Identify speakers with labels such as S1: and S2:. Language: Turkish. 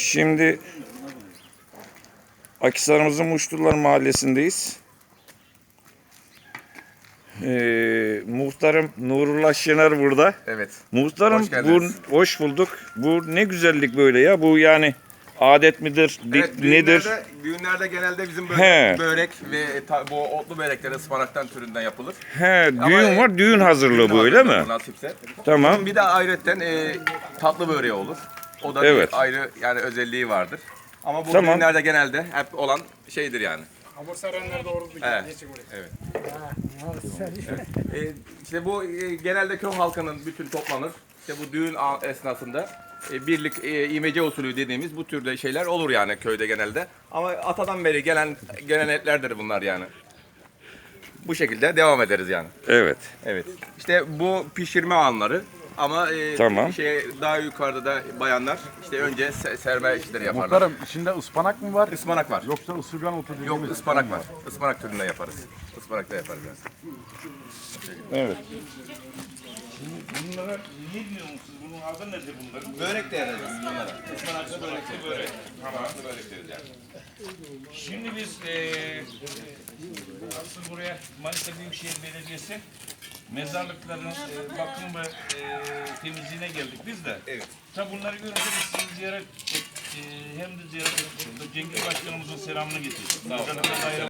S1: Şimdi Akhisar'ımızın Muştular Mahallesi'ndeyiz. Muhtarım Nurullah Şener burada.
S2: Evet.
S1: Muhtarım
S2: Hoş geldiniz.
S1: hoş bulduk. Bu ne güzellik böyle ya. Bu yani adet midir?
S2: Evet,
S1: Nedir?
S2: düğünlerde genelde bizim
S1: He.
S2: börek ve bu otlu börekler ıspanaktan türünden yapılır.
S1: He,
S2: Ama,
S1: düğün var, düğün hazırlığı bu öyle mi?
S2: Nasipse.
S1: Tamam.
S2: Bir de ayrıca tatlı böreği olur. O da
S1: Evet.
S2: bir ayrı yani özelliği vardır. Ama bu
S1: Tamam.
S2: düğünlerde genelde hep olan şeydir yani.
S3: Hamur saranlar doğru değil.
S2: Evet.
S3: Geçin buraya.
S2: Evet. İşte bu genelde köy halkının bütün toplanır. İşte bu düğün esnasında birlik imece usulü dediğimiz bu türde şeyler olur yani köyde genelde. Ama atadan beri gelen geleneklerdir bunlar yani. Bu şekilde devam ederiz yani.
S1: Evet.
S2: Evet. İşte bu pişirme anları ama
S1: Tamam.
S2: daha yukarıda da bayanlar işte önce serme işleri yaparlar.
S4: Muhtarım içinde ıspanak mı var?
S2: Ispanak var.
S4: Yoksa ısırgan otu dediğimiz
S2: Yok ıspanak var. Ispanak türünde yaparız. Ispanak da yaparız yani.
S1: Evet.
S5: Bunlara ne diyorsunuz? Bunun adı nedir bunların?
S2: Börek de yaparız bunlara.
S5: Ispanaklı börekli börek. Tamam.
S2: Börek deriz yani.
S5: Şimdi biz asıl buraya Manisa Büyükşehir Belediyesi mezarlıkların bakım ve temizliğine geldik biz de.
S2: Evet.
S5: Tabi bunları görünce biz sizi ziyaret hem de ziyaret etmiş olduk. Cengiz Başkanımızın selamını getirdik. Sağ olun.